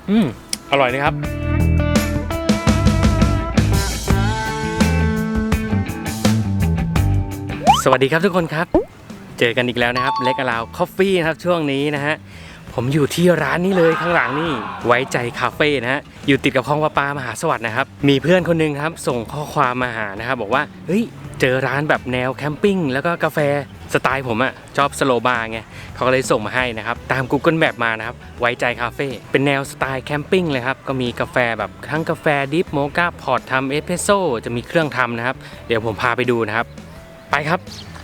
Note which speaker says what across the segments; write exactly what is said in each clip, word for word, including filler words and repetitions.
Speaker 1: อืมอร่อยนะครับสวัสดีครับทุกคนครับเจอกันอีกแล้วนะครับเล็กอลาวคอฟฟี่นะครับช่วงนี้นะฮะผมอยู่ที่ร้านนี้เลยข้างหลังนี่ไว้ใจคาเฟ่นะฮะอยู่ติดกับคลองประปามหาสวัสดิ์นะครับมีเพื่อนคนนึงครับส่งข้อความมาหานะครับบอกว่าเฮ้ยเจอร้านแบบแนวแคมปิ้งแล้วก็กาแฟสไตล์ผมอะชอบสโลบาร์ไงเขาก็เลยส่งมาให้นะครับตาม Google Map มานะครับไว้ใจคาเฟ่เป็นแนวสไตล์แคมปิ้งเลยครับก็มีกาแฟแบบทั้งกาแฟดิฟโมกาพอตทำเอสเพรสโซ่จะมีเครื่องทำนะครับเดี๋ยวผมพาไปดูนะครับไปครับ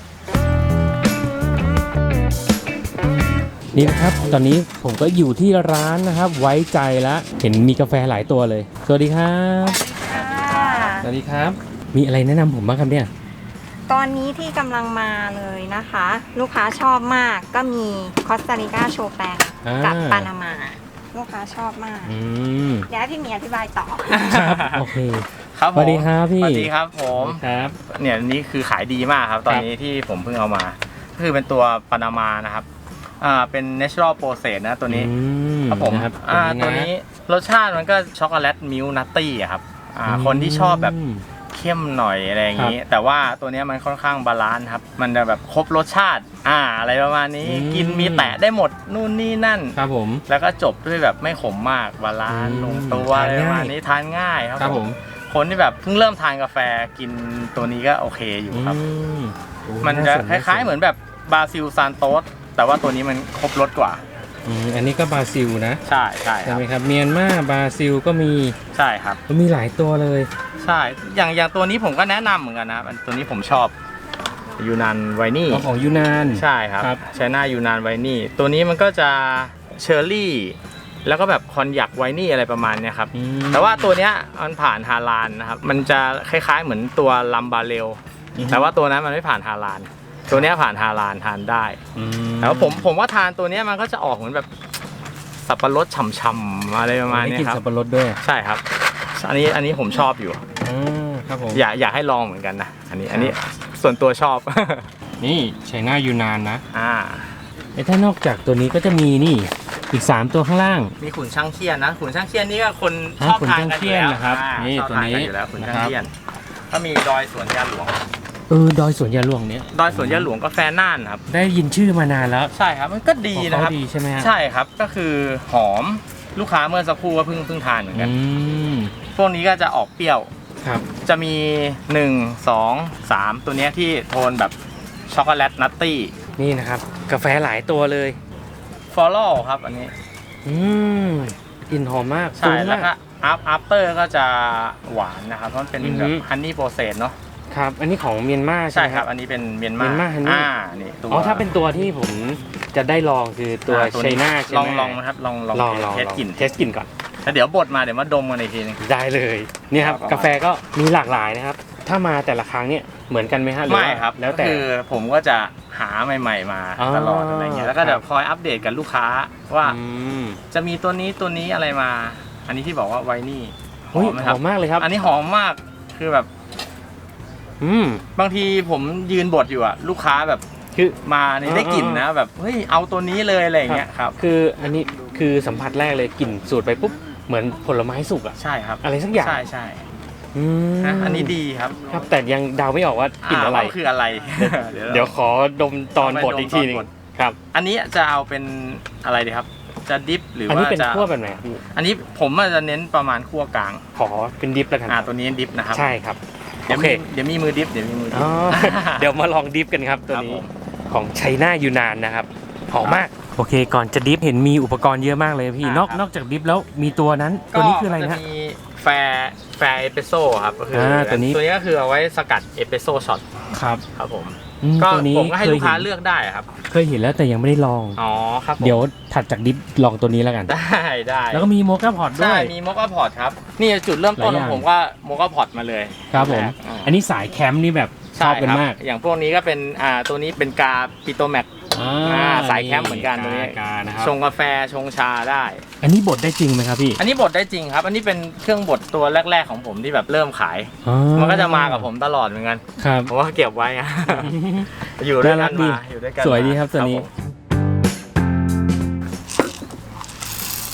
Speaker 1: นี่นะครับตอนนี้ผมก็อยู่ที่ร้านนะครับไว้ใจแล้วเห็นมีกาแฟหลายตัวเลยสวัสดีครับสวัสดีครับมีอะไรแนะนำผมบ้างครับเนี่ย
Speaker 2: ตอนนี้ที่กำลังมาเลยนะคะลูกค้าชอบมากก็มีคอสตาริกาโชแปงกับปานามาลูกค้าชอบมากเดี๋ยวให้พี่มีอธิบายต่อ
Speaker 1: ครับโอเค
Speaker 3: ครับ
Speaker 1: สวัสดีครับพี่
Speaker 3: สวัสดีครับผม
Speaker 1: ครับ
Speaker 3: เนี่ยนี่คือขายดีมากครับตอนนี้ที่ผมเพิ่งเอามาก็คือเป็นตัวปานามานะครับอ่าเป็น natural process นะตัวนี้ครับผมอ่าตัวนี้รสชาติมันก็ช็อกโกแลตมิลค์นัตตี้ครับอ่าคนที่ชอบแบบเข้มหน่อยอะไรอย่างนี้แต่ว่าตัวนี้มันค่อนข้างบาลานซ์ครับมันจะแบบครบรสชาติอ่าอะไรประมาณนี้กินมีแตะได้หมดนู่นนี่นั่น
Speaker 1: ครับผม
Speaker 3: แล้วก็จบด้วยแบบไม่ขมมากบาลานซ์ลงตัวอะไรประมาณนี้ทานง่ายครับผมคนที่แบบเพิ่งเริ่มทานกาแฟกินตัวนี้ก็โอเคอยู่ครับมันจะคล้ายๆเหมือนแบบบราซิลซานโตสแต่ว่าตัวนี้มันครบรสกว่า
Speaker 1: อืมอันนี้ก็บราซิลนะ
Speaker 3: ใช่ใช่
Speaker 1: ใช่ไหมครับเมียนมาบราซิลก็มี
Speaker 3: ใช่ครับ
Speaker 1: ก็มีหลายตัวเลย
Speaker 3: ใช่อย่างอย่างตัวนี้ผมก็แนะนำเหมือนกันนะตัวนี้ผมชอบยูนานไวนี่
Speaker 1: ของยูนาน
Speaker 3: ใช่ครับใช้หน้ายูนานไวนี่ตัวนี้มันก็จะเชอร์รี่แล้วก็แบบคอนยักไวนี่อะไรประมาณนี้ครับแต่ว่าตัวเนี้ยมันผ่านฮาลาลนะครับมันจะคล้ายๆเหมือนตัวลัมบาเรลแต่ว่าตัวนั้นมันไม่ผ่านฮาลาลตัวนี้ผ่านฮาลาลทานได้แต่ว่าผมผมว่าทานตัวนี้มันก็จะออกเหมือนแบบสับปะรดฉ่ำๆอะไรประมาณนี้ครับ
Speaker 1: กินสับปะรดด้วย
Speaker 3: ใช่ครับอันนี้อันนี้ผมชอบอยู่
Speaker 1: ครับผม
Speaker 3: อยากอยากให้ลองเหมือนกันนะอันนี้อันนี้ส่วนตัวชอบ
Speaker 1: นี่ใช้หน้ายูนานนะ
Speaker 3: อ่า
Speaker 1: ไอ้ถ้านอกจากตัวนี้ก็จะมีนี่อีกสามตัวข้างล่าง
Speaker 3: มีขุนช่างเคียนนะขุนช่างเคียนนี่ก็คนชอบทานกันอยู่แล้ว
Speaker 1: นะครับนี่ตัวนี้
Speaker 3: อยู่แล้วขุนช่างเคียนก็มีดอยสวนยาหลวง
Speaker 1: เออดอยสวนยาหลวงเนี้ย
Speaker 3: ดอยสวนยาหลวงกาแฟน่านครับ
Speaker 1: ได้ยินชื่อมานานแล้ว
Speaker 3: ใช่ครับมันก็ดีนะครับ
Speaker 1: ดีใช่ไหม
Speaker 3: ใช่ครับก็คือหอมลูกค้าเมื่อสักครู่ก็เพิ่งเพิ่งทานเหมือนกันพวกนี้ก็จะออกเปรี้ยว
Speaker 1: ครับ
Speaker 3: จะมีหนึ่ง สอง สามตัวนี้ที่โทนแบบช็อกโกแลตนัตตี้
Speaker 1: นี่นะครับกาแฟหลายตัวเลย
Speaker 3: ฟอลโล่ครับอันนี้
Speaker 1: อืมกลิ่นหอมมาก
Speaker 3: ใช่แล้วก็อัพอัพเตอร์ก็จะหวานนะครับเพราะมันเป็นแบบฮันนี่โปรเซสเนาะ
Speaker 1: ครับอันนี้ของเมียนมา
Speaker 3: ใช่ครับอันนี้เป็นเมียนมา
Speaker 1: อ่านี่ตัวอ๋อถ้าเป็นตัวที่ผมจะได้ลองคือตัวไชน่า
Speaker 3: ลองลองนะครับลองลองเทสกลิ่น
Speaker 1: เทสกลิ่นก่อน
Speaker 3: แล้วเดี๋ยวบดมาเดี๋ยวมาดมกันอีกทีนึง
Speaker 1: ได้เลยนี่ครับกาแฟก็มีหลากหลายนะครับถ้ามาแต่ละครั้งเนี่ยเหมือนกันไหมฮะ
Speaker 3: ไม่ครับแล้วแต่คือผมก็จะหาใหม่ๆมาตลอดอะไรเงี้ยแล้วก็เดี๋ยวคอยอัปเดตกับลูกค้าว่าจะมีตัวนี้ตัวนี้อะไรมาอันนี้ที่บอกว่าไวนี่
Speaker 1: หอมหอมมากเลยครับ
Speaker 3: อันนี้หอมมากคือแบบ
Speaker 1: อืม
Speaker 3: บางทีผมยืนบดอยู่อะลูกค้าแบบคือมานี่ได้กลิ่นนะแบบเฮ้ยเอาตัวนี้เลยอะไรเงี้ยครับ
Speaker 1: คืออันนี้คือสัมผัสแรกเลยกลิ่นสูดไปปุ๊บเหมือนผลไม้สุกอะ
Speaker 3: ใช่ครับ
Speaker 1: อะไรสักอย่าง
Speaker 3: ใช่ใช่อันนี้ดีครับ
Speaker 1: ครับแต่ยังเดาไม่ออกว่ากลิ่นอะไร
Speaker 3: คืออะไร
Speaker 1: เดี๋ยวขอดมตอนบดอีกทีนึงครับ
Speaker 3: อันนี้จะเอาเป็นอะไรดีครับจะดิฟหรือว่าจะ
Speaker 1: อันนี้เป็นคั่วแบบไหน
Speaker 3: อันนี้ผมจะเน้นประมาณคั่วกลาง
Speaker 1: ขอเป็นดิฟแล้วกัน
Speaker 3: อ่าตัวนี้ดิฟนะครับ
Speaker 1: ใช่ครับ
Speaker 3: โอเคเดี๋ยวมีมือดิฟเดี๋ยวมีมือดิฟ
Speaker 1: เดี๋ยวมาลองดิฟกันครับตัวนี้ของไชน่ายูนานนะครับหอมมากโอเคก่อนจะดิฟเห็นมีอุปกรณ์เยอะมากเลยพี่นอกนอกจากดิฟแล้วมีตัวนั้นตัวนี้คืออะไรนะ
Speaker 3: มีแฟร์แฟร์เอสเปรสโซ่ครับก็คือตัวนี้ตัวนี้ก็คือเอาไว้สกัดเอสเปรสโซ่ช็อต
Speaker 1: ครับ
Speaker 3: ครับผมก็ผมก็ให้ลูกค้าเลือกได้ครับ
Speaker 1: เคยเห็นแล้วแต่ยังไม่ได้ลอง
Speaker 3: อ๋อครับ
Speaker 1: เดี๋ยวถัดจากดิฟลองตัวนี้แล้วกัน
Speaker 3: ได้ได้
Speaker 1: แล้วก็มีโมกาพอตด้วย
Speaker 3: ใช่มีโมกาพอตครับนี่จุดเริ่มต้นของผมก็โมกาพอตมาเลย
Speaker 1: ครับผมอันนี้สายแคมป์นี่แบบชอบกันมาก
Speaker 3: อย่างพวกนี้ก็เป็นอ่าตัวนี้เป็นกาปิโตแมกสายแคมป์เหมือนกันตัวนี้ชงกาแฟชงชาได้
Speaker 1: อันนี้บดได้จริงไหมครับพี่
Speaker 3: อันนี้บดได้จริงครับอันนี้เป็นเครื่องบดตัวแรกๆของผมที่แบบเริ่มขายมันก็จะมากับผมตลอดเหมือนกัน
Speaker 1: ครับ
Speaker 3: ผมว่าเก็บไว้อยู่ด้วยกันมาอยู่ด้วยกัน
Speaker 1: สวยดีครับตัวนี้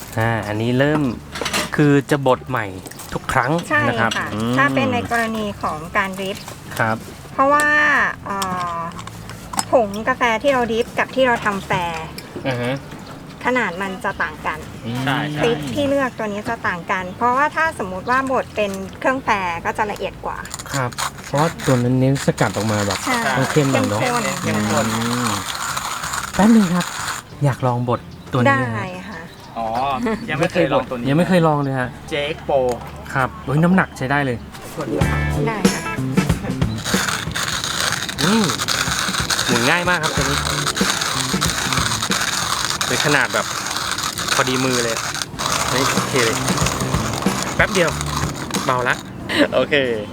Speaker 1: อ่าอันนี้เริ่มคือจะบดใหม่ทุกครั้ง
Speaker 2: ใช่
Speaker 1: นะครับ
Speaker 2: ค่ะ
Speaker 1: อืม
Speaker 2: ถ้าเป็นในกรณีของการดริฟ
Speaker 1: ครับ
Speaker 2: เพราะว่าเอ่อผงกาแฟที่เราดริฟกับที่เราทำแฟร์
Speaker 1: อ่าฮะ
Speaker 2: ขนาดมันจะต่างกัน
Speaker 3: ใช่ใช่
Speaker 2: พริกที่เลือกตัวนี้จะต่างกัน เพราะว่าถ้าสมมุติว่าบดเป็นเครื่องแฟร์ก็จะละเอียดกว่า
Speaker 1: ครับ เพราะว่าตัวนั้นเน้นสกัดออกมาแบบ
Speaker 2: ใช่
Speaker 1: ต้องเข้มหน่อยเนอะ
Speaker 2: ข้น
Speaker 3: เข้มข้น
Speaker 1: อืมแป๊บนึงครับ อยากลองบดตัวนี้
Speaker 2: ได้
Speaker 1: นะฮะ
Speaker 2: ค่ะ
Speaker 3: อ๋อ ยังไม่เคยลองตัวนี้
Speaker 1: ยังไม่เคยลองเลยฮะ
Speaker 3: เจ เอ็กซ์ Pro
Speaker 1: ครับโอ้ยน้ำหนักใช้ได้เลย
Speaker 2: ได้ค่ะ
Speaker 1: อืมหมุนง่ายมากครับตัวนี้เป็นขนาดแบบพอดีมือเลยนี่โอเคเลยแป๊บเดียวเบาละโอเค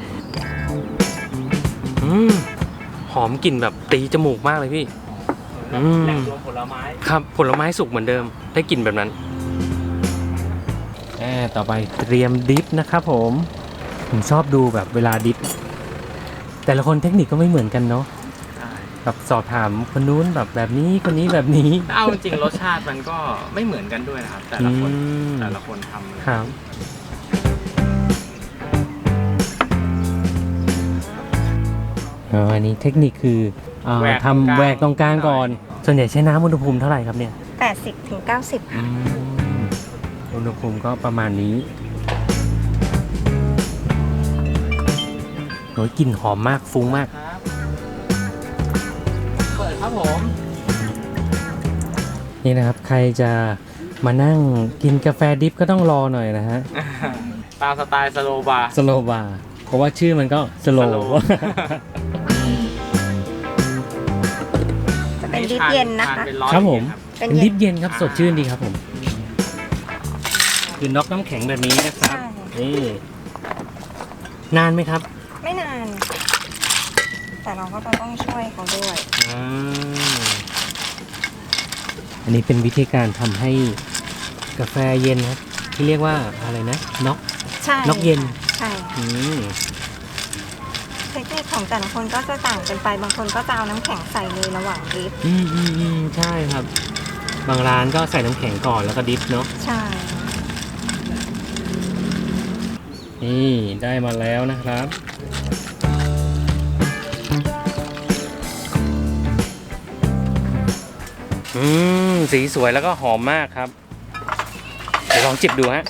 Speaker 1: อืมหอมกลิ่นแบบตีจมูกมากเลยพี่อืม
Speaker 3: แหล่งรวมผลไม้
Speaker 1: ครับผลไม้สุกเหมือนเดิมได้กลิ่นแบบนั้นแอบต่อไปเตรียมดิฟนะครับผมผมชอบดูแบบเวลาดิฟแต่ละคนเทคนิคก็ไม่เหมือนกันเนาะ
Speaker 3: ใช่
Speaker 1: แบบสอบถามคนนู้นแบบแบบนี้คนนี้แบบนี้
Speaker 3: เอาจริงๆรสชาติมันก็ไม่เหมือนกันด้วยนะครับ แต่ละคน
Speaker 1: อืม
Speaker 3: แต่ละคนทำเลย
Speaker 1: ครับอ๋ออันนี้เทคนิคคืออ่าทำแหวกตรงกลางก่อน ส่วนใหญ่ใช้น้ำอุณหภูมิเท่าไหร่ครับเนี่ย
Speaker 2: แปดสิบถึงเก้าสิบค่ะ
Speaker 1: อุณหภูมิก็ประมาณนี้โอ้ยกลิ่นหอมมากฟุ้งมาก
Speaker 3: ครับเปิดครับผม
Speaker 1: นี่นะครับ ใครจะมานั่งกินกาแฟดิฟก็ต้องรอหน่อยนะฮะ
Speaker 3: ตามสไตล์สโลบาร์
Speaker 1: สโลบาร์เพราะว่าชื่อมันก็สโล
Speaker 3: slow
Speaker 2: จะเป็นดิฟเย็นนะคะ
Speaker 3: ทาเป็ร้อน
Speaker 1: ครับผม
Speaker 3: เย็น
Speaker 2: เป็น
Speaker 1: ดิ
Speaker 2: เย็น
Speaker 1: ฟเย็นครับสดชื่นดีครับผม คือน็อกน้ำแข็งแบบนี้นะครับ
Speaker 2: ใช่
Speaker 1: นี่นานไหมครับ
Speaker 2: ไม่นาน แต่เราก็จะต้องช่วยเขาด้วย
Speaker 1: อ่าอันนี้เป็นวิธีการทำให้กาแฟเย็นครับที่เรียกว่าอะไรนะน็อก
Speaker 2: ใช่
Speaker 1: น็อกเย็น
Speaker 2: ใช่
Speaker 1: อืม
Speaker 2: เทคนิคของแต่ละคนก็จะต่างกันไป บางคนก็จะเอาน้ำแข็งใส่เลยระหว่างดริฟ
Speaker 1: อืมอืมอืมใช่ครับ บางร้านก็ใส่น้ำแข็งก่อนแล้วก็ดิฟเนาะ
Speaker 2: ใช่
Speaker 1: นี่ได้มาแล้วนะครับ อืมสีสวยแล้วก็หอมมากครับเดี๋ยวลองจิบดูฮะ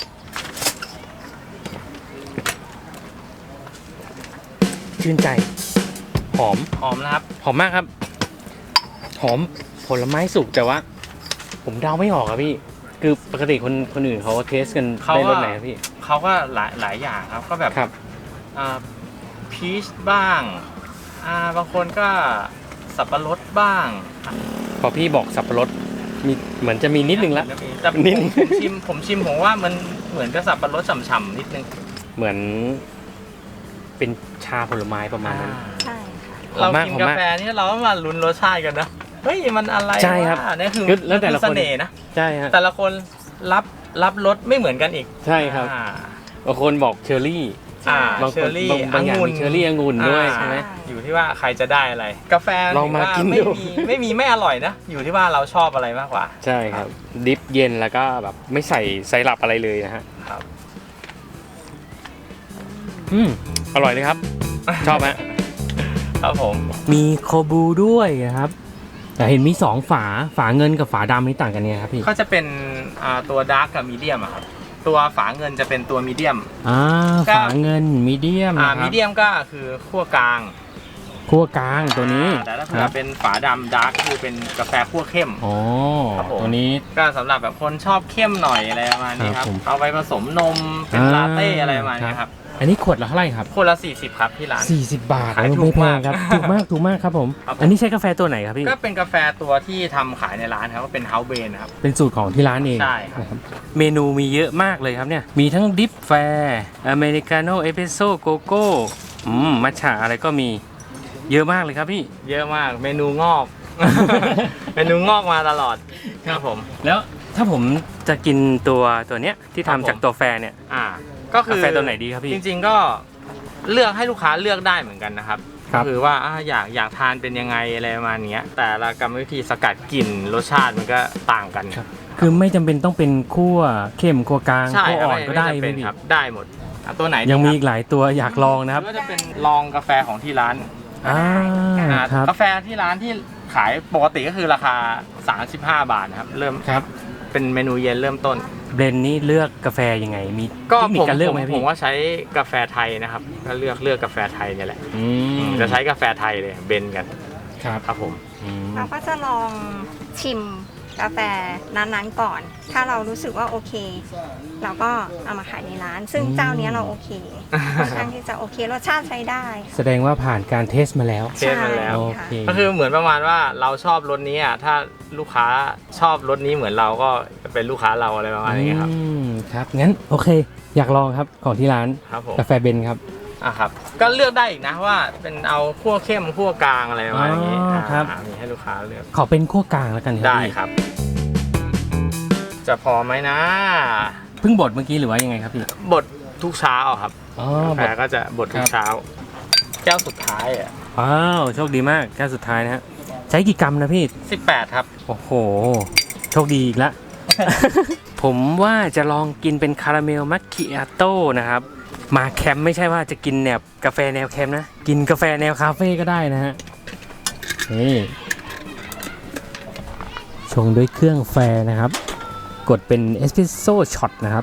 Speaker 1: ชื่นใจ หอม
Speaker 3: หอมนะครับ
Speaker 1: หอมมากครับ หอมผลไม้สุกแต่ว่า ผมเดาไม่ออกครับพี่ คือปกติคนคนอื่นเขาเทสกัน
Speaker 3: เขา
Speaker 1: ได้ร
Speaker 3: ก็
Speaker 1: สไหนครับพี่
Speaker 3: เขาก็หลายหลายอย่างครับ ก็แบบ
Speaker 1: ครับ
Speaker 3: พีชบ้างอ่าบางคนก็สับปะรดบ้าง
Speaker 1: พอพี่บอกสับปะรดมีเหมือนจะมีนิดนึงละ
Speaker 3: แต่ผม
Speaker 1: นิดนึง
Speaker 3: ผมชิมผมชิมผมว่ามันเหมือนกับสับปะรดฉ่ำๆนิดนึง
Speaker 1: เหมือนเป็นชาผลไม้ประมาณนั้น
Speaker 2: ใช่ค่ะ
Speaker 1: หอ
Speaker 3: เรา
Speaker 1: มมาก
Speaker 3: กิน
Speaker 1: หอม
Speaker 3: กาม
Speaker 1: าก
Speaker 3: แฟนี่เราก็มาลุ้นรสชาติกันนะเฮ้ยมันอะไร
Speaker 1: ใช่ครับ
Speaker 3: วะนี่คือ
Speaker 1: คือแล้วแต่ละคน
Speaker 3: เสน่ห์นะ
Speaker 1: ใช่ฮะ
Speaker 3: แต่ละคนรับรับรสไม่เหมือนกันอีก
Speaker 1: ใช่ครับ
Speaker 3: อ่า
Speaker 1: บางคนบอกเชอร์รี่
Speaker 3: อ่า
Speaker 1: บาง
Speaker 3: เช
Speaker 1: ค
Speaker 3: อน ร์รี่
Speaker 1: บางบางอย่าง
Speaker 3: องุ่น
Speaker 1: มีเชอร์รี่องุ่นด้วย
Speaker 3: อ่า
Speaker 1: ใช่ไหม
Speaker 3: อยู่ที่ว่าใครจะได้อะไร กาแฟ
Speaker 1: ลองมา
Speaker 3: ถืว่
Speaker 1: กิน
Speaker 3: ไม่
Speaker 1: ดู
Speaker 3: มีไม่มีไม่อร่อยนะ อยู่ที่ว่าเราชอบอะไรมากกว่า
Speaker 1: ใช่ครับ ดิฟเย็นแล้วก็แบบไม่ใส่ไซรัปอะไรเลยนะฮะ
Speaker 3: ครับ
Speaker 1: อืมอร่อยเลยครับ ชอบไหม
Speaker 3: ครับผม
Speaker 1: มีโคบูด้วยนะครับ แต่เห็นมีสองฝาฝาเงินกับฝาดำนี่ต่างกันเนี่ยครับพี่
Speaker 3: ก็จะเป็นอ่าตัวดาร์กกับมีเดียมครับตัวฝาเงินจะเป็นตัวมีเดียม
Speaker 1: อ่า
Speaker 3: ก็
Speaker 1: ฝาเงินมีเดียม
Speaker 3: อ่า
Speaker 1: นะค
Speaker 3: มี
Speaker 1: รับ
Speaker 3: เดียมก็คือขั้วกลาง
Speaker 1: คั่วกลางตัวนี้
Speaker 3: อ่าแต่ถ้า
Speaker 1: ค
Speaker 3: เผื่
Speaker 1: รั
Speaker 3: อบ เป็นฝาดำดาร์กคือเป็นกาแฟขั้วเข้ม
Speaker 1: อ๋อ
Speaker 3: ครับผม
Speaker 1: ตัวนี้
Speaker 3: ก็สำหรับแบบคนชอบเข้มหน่อยอะไรประมาณนี้ค
Speaker 1: ครั
Speaker 3: รั
Speaker 1: บบ ผม
Speaker 3: เอาไปผสมนมเป็น
Speaker 1: อ่า
Speaker 3: ลาเต้อะไรประมาณนี้ครับ
Speaker 1: อันนี้ขวดละเท่าไหร่ครับ
Speaker 3: คนละสี่สิบครับที่ร้าน
Speaker 1: สี่สิบบาท
Speaker 3: ขาย
Speaker 1: เออ
Speaker 3: ถู
Speaker 1: ไม่
Speaker 3: ก
Speaker 1: แพ
Speaker 3: มาง ก
Speaker 1: ครับ ถูกมากถูกมากครับผม
Speaker 3: ครับผม
Speaker 1: อันนี้ใช้กาแฟตัวไหนครับพี่
Speaker 3: ก็เป็นกาแฟตัวที่ทำขายในร้านครับก็เป็นเฮาส์เบนนะครับ
Speaker 1: เป็นสูตรของที่ร้านเอง
Speaker 3: ใช่ครับ
Speaker 1: นะครับเมนูมีเยอะมากเลยครับเนี่ย มีทั้งดิฟแฟร์อเมริกาโน่เอสเปรสโซ่โกโก้อืมมัทฉะอะไรก็มีเยอะมากเลยครับพี่
Speaker 3: เยอะมากเมนูงอก เมนูงอกมาตลอดครับผม
Speaker 1: แล้วถ้าผมจะกินตัวตัวเนี้ยที่
Speaker 3: ครับผม
Speaker 1: ทำจากตัวแฟร์เนี่ย
Speaker 3: อ่าก็คื
Speaker 1: กา
Speaker 3: อ
Speaker 1: แฟตัวไหนดีครับพี่
Speaker 3: จริงๆก็เลือกให้ลูกค้าเลือกได้เหมือนกันนะครับ
Speaker 1: ครับ
Speaker 3: ก็คือว่าอ่าอยากอยากทานเป็นยังไงอะไรประมาณเนี้ยแต่ละกรรมวิธีสกัดกลิ่นรสชาติมันก็ต่างกัน
Speaker 1: ครับคือไม่จำเป็นต้องเป็นคั่วเข้มคั่วกลาง
Speaker 3: ใช่
Speaker 1: คั่ว
Speaker 3: ครับ
Speaker 1: อ่อนก็ได้
Speaker 3: ไม่จำเป็น
Speaker 1: พี่
Speaker 3: ครับ ได้หมดอ่ะตัวไหนดี
Speaker 1: ยังมี
Speaker 3: ครับ
Speaker 1: อีกหลายตัวอยากลองนะครับ
Speaker 3: ก็จะเป็นลองกาแฟของที่ร้าน
Speaker 1: อ่า
Speaker 3: อ่า
Speaker 1: ครับ
Speaker 3: กาแฟที่ร้านที่ขายปกติก็คือราคาสามสิบห้าบาทนะครับเริ่ม
Speaker 1: ครับ
Speaker 3: เป็นเมนูเย็นเริ่มต้น
Speaker 1: เบรนด์นี้เลือกกาแฟยังไงมี
Speaker 3: ก็
Speaker 1: เทคนิ
Speaker 3: ผ
Speaker 1: ค
Speaker 3: ม
Speaker 1: การเลือก
Speaker 3: ผม
Speaker 1: ไหม
Speaker 3: ผ
Speaker 1: พี่
Speaker 3: มว่าใช้กาแฟไทยนะครับก็เลือกเลือกกาแฟไทยเนี่ยแหละ
Speaker 1: อืม
Speaker 3: จะใช้กาแฟไทยเลยเบนกัน
Speaker 1: ครับ
Speaker 3: ครับผม
Speaker 1: อืม
Speaker 2: เราก็จะลองชิมกาแฟนั้นๆก่อน ถ้าเรารู้สึกว่าโอเค เราก็เอามาขายในร้าน ซึ่งเจ้าเนี้ยเราโอเคค่อนข้างที่จะโอเครสชาติใช้ได้
Speaker 1: แสดงว่าผ่านการเทสมาแล้ว
Speaker 3: เทสมาแล้ว
Speaker 1: โอ
Speaker 2: ใช่
Speaker 1: เค
Speaker 2: ค่ะ
Speaker 3: ก็คือเหมือนประมาณว่าเราชอบรสนี้อ่ะถ้าลูกค้าชอบรสนี้เหมือนเราก็เป็นลูกค้าเราอะไรประมาณนี้ครับ
Speaker 1: อืมครับงั้นโอเค อยากลองครับของที่ร้าน
Speaker 3: ครับผม
Speaker 1: กาแฟเบนครับ
Speaker 3: อ่ะครับก็เลือกได้อีกนะว่าเป็นเอาคั่วเข้มคั่วกลางอะไรประมาณนี้
Speaker 1: อ๋อครับ
Speaker 3: อ่ามีให้ลูกค้าเลือก
Speaker 1: ขอเป็นคั่วกลางแล้วกันครับ
Speaker 3: ได้
Speaker 1: พี่
Speaker 3: ครับ จะพอไหมนะ
Speaker 1: เพิ่งบดเมื่อกี้หรือว่ายังไงครับพี่
Speaker 3: บดทุกเช้าครับ
Speaker 1: อ๋อก
Speaker 3: าแฟ
Speaker 1: บด
Speaker 3: ก็จะบดทุ
Speaker 1: ค
Speaker 3: ก
Speaker 1: รับ
Speaker 3: เช้า แก้วสุดท้ายอ่ะ
Speaker 1: ว้าวโชคดีมากแก้วสุดท้ายนะฮะใช้กี่กรัมนะพี่
Speaker 3: สิบแปดครับ
Speaker 1: โอ้โห โชคดีอีกแล้ว ผมว่าจะลองกินเป็นคาราเมลมัคคิอาโต้นะครับ มาแคมป์ไม่ใช่ว่าจะกินแนวกาแฟแนวแคมป์นะ กินกาแฟแนวคาเฟ่ก็ได้นะฮะนี่ชงด้วยเครื่องแฟนะครับ กดเป็นเอสเปรสโซ่ช็อตนะครับ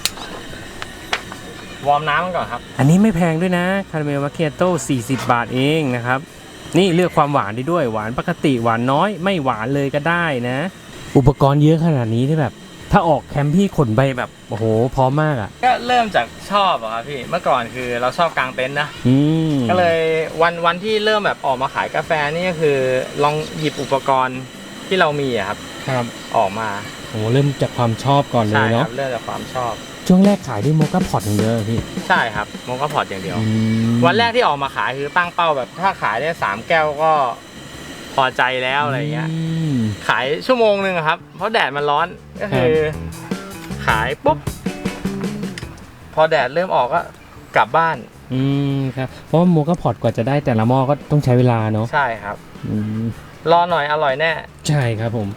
Speaker 3: วอร์มน้ำมันก่อนครับ
Speaker 1: อันนี้ไม่แพงด้วยนะคาราเมลมัคคิอาโต้สี่สิบบาทเองนะครับ นี่เลือกความหวานได้ด้วยหวานปกติหวานน้อยไม่หวานเลยก็ได้นะ อุปกรณ์เยอะขนาดนี้ที่แบบ ถ้าออกแคมป์พี่ขนไปแบบโอ้โหพร้อมมากอ่ะ
Speaker 3: ก็เริ่มจากชอบอะครับพี่เมื่อก่อนคือเราชอบกางเต็นท์นะ
Speaker 1: อืม
Speaker 3: ก็เลยวันวันที่เริ่มแบบออกมาขายกาแฟนี่ก็คือลองหยิบอุปกรณ์ที่เรามีอะครับ
Speaker 1: ครับ
Speaker 3: ออกมา
Speaker 1: โอ้เริ่มจากความชอบก่อนเล
Speaker 3: ใช่
Speaker 1: ย
Speaker 3: ค
Speaker 1: เนาะ
Speaker 3: รับเริ่มจากความชอบ
Speaker 1: ช่วงแรกขายด้วยโมกาพอตอย่างเดียวเหรอพี่
Speaker 3: ใช่ครับโมกาพอตอย่างเดียว
Speaker 1: อืม
Speaker 3: วันแรกที่ออกมาขายคือตั้งเป้าแบบถ้าขายได้สามแก้วก็พอใจแล้วอะไรเงี้ย
Speaker 1: ม
Speaker 3: ขายชั่วโมงหนึ่งอะครับ เพราะแดดมันร้อนก็คือขายปุ๊บ พอแดดเริ่มออกก็กลับบ้าน
Speaker 1: อืมครับเพราะว่าโมกาพอตกว่าจะได้แต่ละหม้อก็ต้องใช้เวลาเนาะ
Speaker 3: ใช่ครับ
Speaker 1: อืม
Speaker 3: รอหน่อยอร่อยแน่
Speaker 1: ใช่ครับผม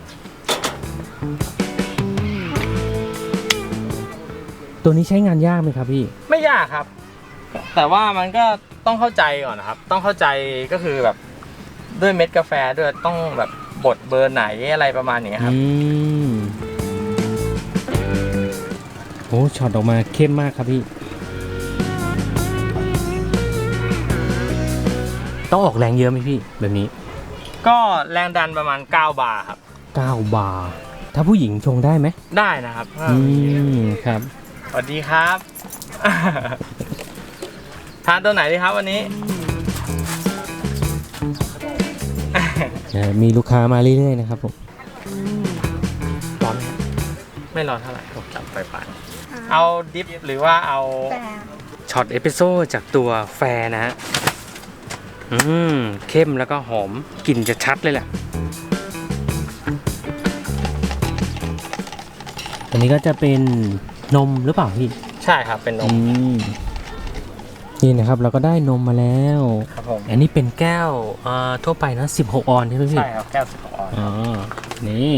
Speaker 1: ตัวนี้ใช้งานยากไหมครับพี่
Speaker 3: ไม่ยากครับ แต่ว่ามันก็ต้องเข้าใจก่อนนะครับ ต้องเข้าใจก็คือแบบด้วยเม็ดกาแฟด้วยต้องแบบบดเบอร์ไหนอะไรประมาณนี้ครับ
Speaker 1: อืมโอ้ช็อตออกมาเข้มมากครับพี่ ต้องออกแรงเยอะไหมพี่ แบบนี้
Speaker 3: ก็แรงดันประมาณเก้าบาร์ครับ
Speaker 1: เก้าบาร์ ถ้าผู้หญิงชงได้ไหม
Speaker 3: ได้นะครับ
Speaker 1: อืมครับ
Speaker 3: สวัสดีครับ ทานตัวไหนดีครับวันนี้
Speaker 1: เอ่อมีลูกค้ามาเรื่อยๆนะครับผม
Speaker 3: ร้อนไหมครับไม่ร้อนเท่าไหร่ผมจับไปปานเอาดิฟหรือว่าเอา
Speaker 2: แต่
Speaker 1: ช็อตเอสเปรสโซ่จากตัวแฟร์นะฮะ อืม เข้มแล้วก็หอมกลิ่นจะชัดเลยแหละ อันนี้ก็จะเป็นนมหรือเปล่าพี่
Speaker 3: ใช่ครับเป็นน
Speaker 1: อื
Speaker 3: ม
Speaker 1: ม นี่นะครับเราก็ได้นมมาแล้ว
Speaker 3: ครับผม
Speaker 1: อันนี้เป็นแก้วเอ่อทั่วไปนะสิบหกออนใช่ไหมพี่
Speaker 3: ใช่ครับแก้วสิบออน
Speaker 1: อ๋อ นี่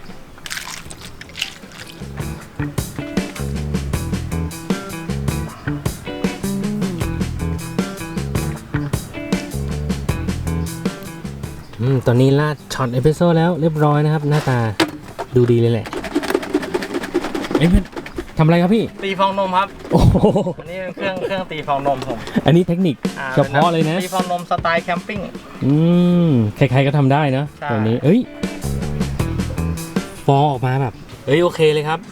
Speaker 1: อืมตอนนี้ราดช็อตเอสเปรสโซ่แล้วเรียบร้อยนะครับ หน้าตาดูดีเลยแหละเอ้ยทำอะไรครับพี่
Speaker 3: ตีฟองนมครับ
Speaker 1: โอ้โห
Speaker 3: อันนี้เป็นเครื่องเครื่องตีฟองนมผม
Speaker 1: อันนี้เทคนิค
Speaker 3: อ่
Speaker 1: เฉพาะเลยนะ
Speaker 3: ตีฟองนมสไตล์แคมปิ้ง
Speaker 1: อืม ใครๆก็ทำได้เนอะ
Speaker 3: ใช่
Speaker 1: แบบนี้ เอ้ย ฟองออกมาแบบ เอ้ย โอเคเลยครับ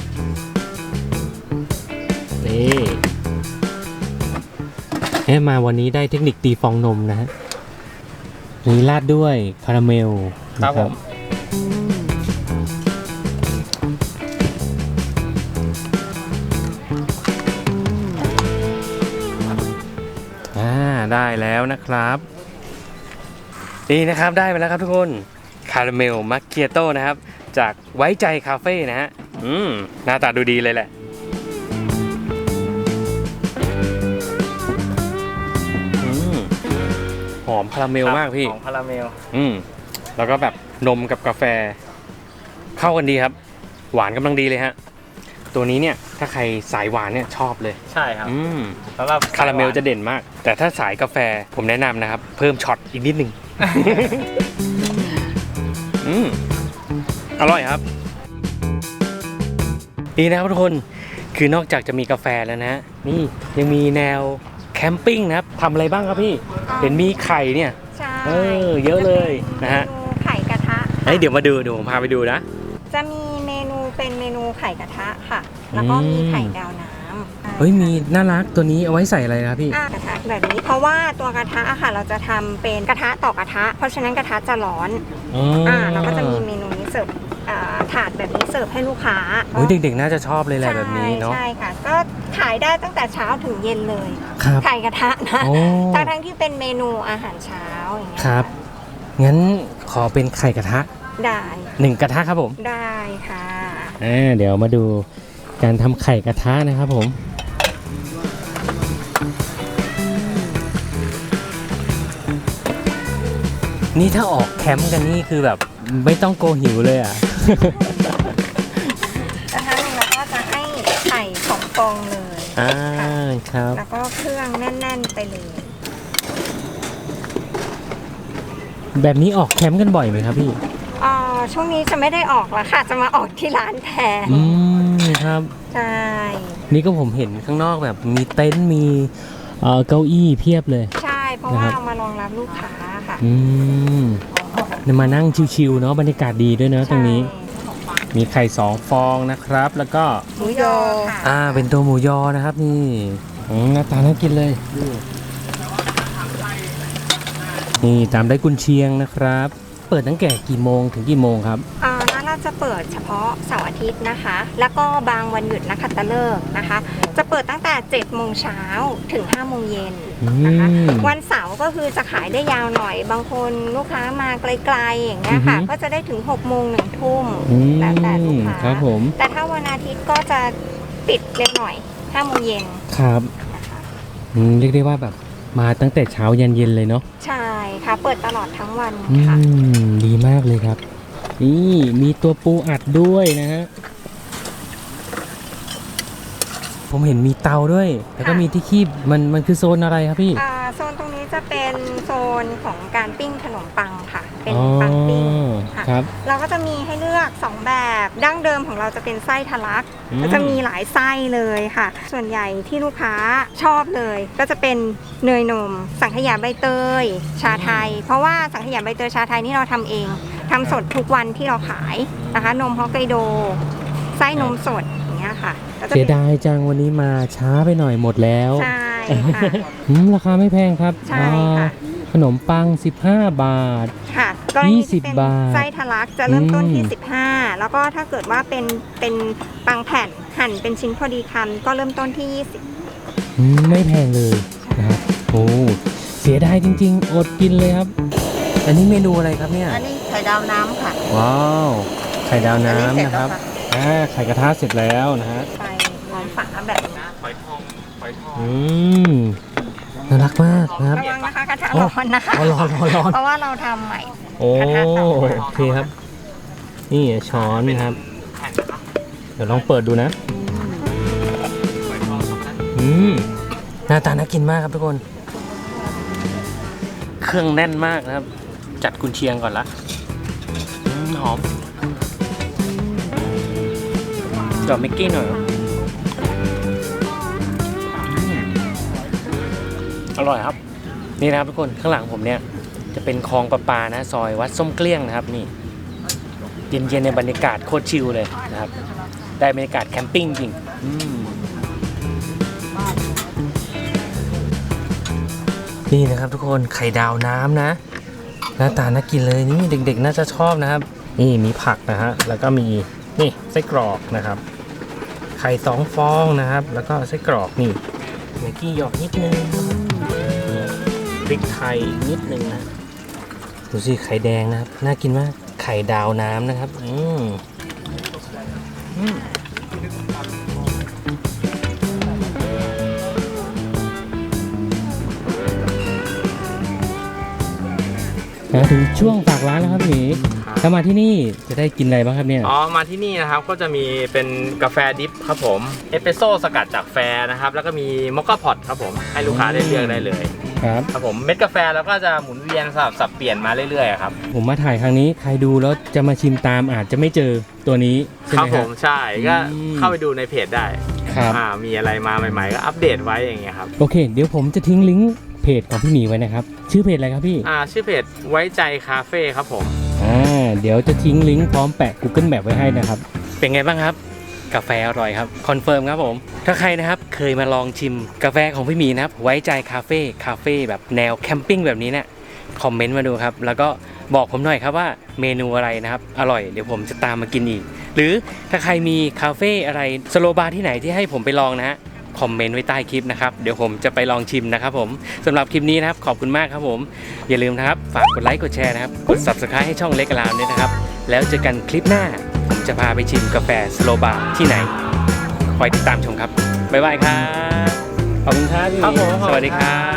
Speaker 1: นี่เอ้มาวันนี้ได้เทคนิคตีฟองนมนะฮะนี่ราดด้วยคาราเมล
Speaker 3: ครั
Speaker 1: นะ
Speaker 3: บผม
Speaker 1: อ่าได้แล้วนะครับ นี่นะครับได้ไปแล้วครับทุกคนคาราเมลมัคคิอาโต้นะครับ จากไว้ใจคาเฟ่นะฮะอืมหน้าตาดูดีเลยแหละอืมหอมคาราเมลมากพี่
Speaker 3: ของคาราเมล
Speaker 1: อืมแล้วก็แบบนมกับกาแฟเข้ากันดีครับหวานกำลังดีเลยฮะตัวนี้เนี่ยถ้าใครสายหวานเนี่ยชอบเลย
Speaker 3: ใช่ครับ
Speaker 1: อืม
Speaker 3: สำหรับ
Speaker 1: คาราเมลจะเด่นมาก แต่ถ้าสายกาแฟผมแนะนำนะครับ เพิ่มช็อตอีกนิดนึง อืมอร่อยครับนี่นะครับทุกคนคือนอกจากจะมีกาแฟแล้วนะนี่ยังมีแนวแคมปิ้งนะครับทำอะไรบ้างครับพี่เห็นมีไข่เนี่ย
Speaker 2: ใช่
Speaker 1: เออเยอะเลยนะฮะ
Speaker 2: เมนูไข่กระทะ
Speaker 1: เฮ้ยเดี๋ยวมาดูเดี๋ยวผมพาไปดูนะ
Speaker 2: จะมีเมนูเป็นเมนูไข่กระทะค่ะ แล้วก็มีไข่ดาวน้ำ
Speaker 1: เฮ้ยมีน่ารักตัวนี้เอาไว้ใส่อะไรครับพี่
Speaker 2: อ่ากระทะแบบนี้เพราะว่าตัวกระทะอะค่ะ เราจะทำเป็นกระทะต่อกระทะ เพราะฉะนั้นกระทะจะร้อน
Speaker 1: อ๋อ
Speaker 2: อ่าเราก็จะมีเมนูนี้เสิร์ฟอ่าถาดแบบนี้เสิร์ฟให้ลูกค้า
Speaker 1: เฮ้ยเด็กๆน่าจะชอบเลยแหละแบบนี้เนาะ
Speaker 2: ใช่ค่ะ ก็ขายได้ตั้งแต่เช้าถึงเย็นเลย
Speaker 1: ครับ
Speaker 2: ไข่กระทะนะ
Speaker 1: โอ้
Speaker 2: ทั้งทั้งๆที่เป็นเมนูอาหารเช้าอย่างเงี้ย
Speaker 1: ครับงั้นขอเป็นไข่กระทะ
Speaker 2: ได้
Speaker 1: หนึ่งกระทะครับผม
Speaker 2: ได้ค่ะ
Speaker 1: อ่าเดี๋ยวมาดูการทำไข่กระทะนะครับผมนี่ถ้าออกแคมป์กันนี่คือแบบไม่ต้องโกหิวเลยอ่ะ
Speaker 2: กระทะหนึ่งเราก็จะให้ไข่สองฟองเลย
Speaker 1: อ่าครับ
Speaker 2: แล้วก็เครื่องแน่น ๆ ไปเลย
Speaker 1: แบบนี้ออกแคมป์กันบ่อยไหมครับพี่
Speaker 2: อ่าช่วงนี้จะไม่ได้ออกแล้วค่ะ จะมาออกที่ร้านแทน
Speaker 1: อืมครับ
Speaker 2: ใช่
Speaker 1: นี่ก็ผมเห็นข้างนอกแบบมีเต็นท์มีเอ่อเก้าอี้เพียบเลย
Speaker 2: ใช่ เพราะ
Speaker 1: นะครั
Speaker 2: ว่า
Speaker 1: บ
Speaker 2: เอามารองรับลูกค้าค่ะ
Speaker 1: อืมมานั่งชิวๆเนาะบรรยากาศดีด้วยเนาะตรงนี้ มีไข่สองฟองนะครับ แล้วก็
Speaker 2: หมูยอค่ะ
Speaker 1: อ่าเป็นตัวหมูยอนะครับนี่อืมหน้าตาน่ากินเลย นี่ตามด้วยกุนเชียงนะครับ เปิดตั้งแต่กี่โมงถึงกี่โมงครับ
Speaker 2: อ่าร้านเราจะเปิดเฉพาะเสาร์อาทิตย์นะคะ แล้วก็บางวันหยุดนักขัตฤกษ์นะคะ จะเปิดตั้งแต่เจ็ดโมงเช้าถึงห้าโมงเย็นนะคะ
Speaker 1: อืม
Speaker 2: วันเสาร์ก็คือจะขายได้ยาวหน่อย บางคนลูกค้ามาไกลๆอย่างเงี้ยค่ะ
Speaker 1: อือฮึ
Speaker 2: ก็จะได้ถึงหกโมงหนึ่งทุ่ม
Speaker 1: อืม
Speaker 2: แล้วแต่ลูกค้า
Speaker 1: ครับผม
Speaker 2: แต่ถ้าวันอาทิตย์ก็จะปิดเร็วหน่อยห้าโมงเย็น
Speaker 1: ครับอืมเรียกได้ว่าแบบมาตั้งแต่เช้ายันเย็นเลยเนาะ
Speaker 2: ใช่ค่ะ เปิดตลอดทั้งวัน
Speaker 1: อื
Speaker 2: ค่ะ
Speaker 1: มดีมากเลยครับ นี่มีตัวปูอัดด้วยนะฮะผมเห็นมีเตาด้วย แล้วก็มีที่คีบมันมันคือโซนอะไรครับพี่
Speaker 2: อ่าโซนตรงนี้จะเป็นโซนของการปิ้งขนมปังค่ะ เป็น
Speaker 1: อ๋อ
Speaker 2: ปังปิ้งค่ะ
Speaker 1: ครับ
Speaker 2: เราก็จะมีให้เลือกสองแบบ ดั้งเดิมของเราจะเป็นไส้ทะลัก
Speaker 1: อืม
Speaker 2: ก็จะมีหลายไส้เลยค่ะ ส่วนใหญ่ที่ลูกค้าชอบเลย ก็จะเป็นเนยนม สังขยาใบเตย ชาไทย เพราะว่าสังขยาใบเตยชาไทยนี่เราทำเองทำสดทุกวันที่เราขายนะคะ นมฮอกไกโด ไส้นมสดอย่างเงี้ยค่ะก็จะ
Speaker 1: เสีย
Speaker 2: เป็น
Speaker 1: ดายจังวันนี้มาช้าไปหน่อยหมดแล้ว
Speaker 2: ใช่ค่ะ
Speaker 1: อืมราคาไม่แพงครับ
Speaker 2: ใช่ค่ะ
Speaker 1: อ่าขนมปังสิบห้าบาท
Speaker 2: ค่ะกรณี
Speaker 1: ยี่สิ
Speaker 2: ที่
Speaker 1: บ
Speaker 2: เป็น
Speaker 1: บาท
Speaker 2: ไส้ทะลักจะเริ่มต้นที่
Speaker 1: อืม
Speaker 2: สิบห้า แล้วก็ถ้าเกิดว่าเป็นเป็นปังแผ่นหั่นเป็นชิ้นพอดีคำก็เริ่มต้นที่ยี่สิบ
Speaker 1: อืมไม่แพงเลยนะครับโอ้เสียดายจริงๆ อดกินเลยครับ อันนี้เมนูอะไรครับเนี่ย
Speaker 4: อันนี้ไข่ดาวน้ำค่ะ
Speaker 1: ว้าวไข่ดาว
Speaker 4: อันนี้
Speaker 1: น้ำ
Speaker 4: เสร็จ
Speaker 1: นะครับ
Speaker 4: แล้วค่ะ
Speaker 1: อ่าไข่กระทะเสร็จแล้วนะฮะ
Speaker 2: ไปมองฝาแบบนี้
Speaker 1: อืมน่ารักมากนะครับ
Speaker 2: ระวังนะคะกระทะร้อนนะคะ
Speaker 1: อ๋อร้อนร้อนร้อน
Speaker 2: เพราะว่าเราทำใหม่
Speaker 1: โอ้
Speaker 2: กระทะเตา
Speaker 1: โอเคครับ นี่ช้อนนะครับ เดี๋ยวลองเปิดดูนะ อืมหน้าตาน่ากินมากครับทุกคน เครื่องแน่นมากนะครับ จัดกุนเชียงก่อนละอืมหอมดอกมิกกี้หน่อยอืมอร่อยครับ นี่นะครับทุกคนข้างหลังผมเนี่ยจะเป็นคลองประปานะซอยวัดส้มเกลี้ยงนะครับนี่เย็นๆในบรรยากาศโคตรชิลเลยนะครับ ได้บรรยากาศแคมปิ้งจริงอืมนี่นะครับทุกคนไข่ดาวน้ำนะหน้าตาน่ากินเลยนี่เด็กๆน่าจะชอบนะครับ นี่มีผักนะฮะแล้วก็มีนี่ไส้กรอกนะครับ ไข่สองฟองนะครับ แล้วก็ไส้กรอกนี่เมกกี้หยอกนิดนึงนี่พริกไทยนิดนึงนะดูสิไข่แดงนะครับน่ากินมากไข่ดาวน้ำนะครับอืมอืมมาถึงช่วงฝากร้านแล้วครับพี่ใครถ้ามาที่นี่จะได้กินอะไรบ้างครับเนี่ย
Speaker 3: อ๋อมาที่นี่นะครับก็จะมีเป็นกาแฟดิฟครับผมเอสเปรสโซ่สกัดจากแฟนะครับแล้วก็มีมอคค่าพอตครับผมให้ลูกค้าได้เลือกได้เลย
Speaker 1: ครับ
Speaker 3: ครับผมเม็ดกาแฟแล้วก็จะหมุนเวียนสลับสับเปลี่ยนมาเรื่อยๆครับ
Speaker 1: ผมมาถ่ายครั้งนี้ใครดูแล้วจะมาชิมตามอาจจะไม่เจอตัวนี้ใช่
Speaker 3: ค
Speaker 1: ไห
Speaker 3: รั
Speaker 1: ม
Speaker 3: บ
Speaker 1: ค
Speaker 3: ผ
Speaker 1: รับ
Speaker 3: มใช่ก็
Speaker 1: อืม
Speaker 3: เข้าไปดูในเพจได้
Speaker 1: ครับ
Speaker 3: อ่ามีอะไรมาใหม่ๆก็อัปเดตไว้อย่างเงี้ยครับ
Speaker 1: โอเค เดี๋ยวผมจะทิ้งลิงก์เพจของพี่หมีไว้นะครับชื่อเพจอะไรครับพี่
Speaker 3: อ่าชื่อเพจไว้ใจคาเฟ่ครับผม
Speaker 1: อ่าเดี๋ยวจะทิ้งลิงก์พร้อมแปะ Google Map ไว้ให้นะครับเป็นไงบ้างครับกาแฟอร่อยครับคอนเฟิร์มครับผมถ้าใครนะครับเคยมาลองชิมกาแฟของพี่หมีนะครับไว้ใจคาเฟ่คาเฟ่แบบแนวแคมปิ้งแบบนี้เนี่ยคอมเมนต์มาดูครับแล้วก็บอกผมหน่อยครับว่าเมนูอะไรนะครับอร่อยเดี๋ยวผมจะตามมากินอีกหรือถ้าใครมีคาเฟ่อะไรสโลบาร์ที่ไหนที่ให้ผมไปลองนะฮะคอมเมนต์ไว้ใต้คลิปนะครับเดี๋ยวผมจะไปลองชิมนะครับผมสำหรับคลิปนี้นะครับขอบคุณมากครับผมอย่าลืมนะครับฝากกดไลค์กดแชร์นะครับกด ซับสไครบ์ ให้ช่องเล็กอารามด้วยนะครับแล้วเจอกันคลิปหน้าผมจะพาไปชิมกาแฟสโลบาร์ที่ไหนคอยติดตามชมครับบ๊ายบายครับขอบคุณครับพี่หมี
Speaker 3: ครับผม
Speaker 1: สวัสดีครับ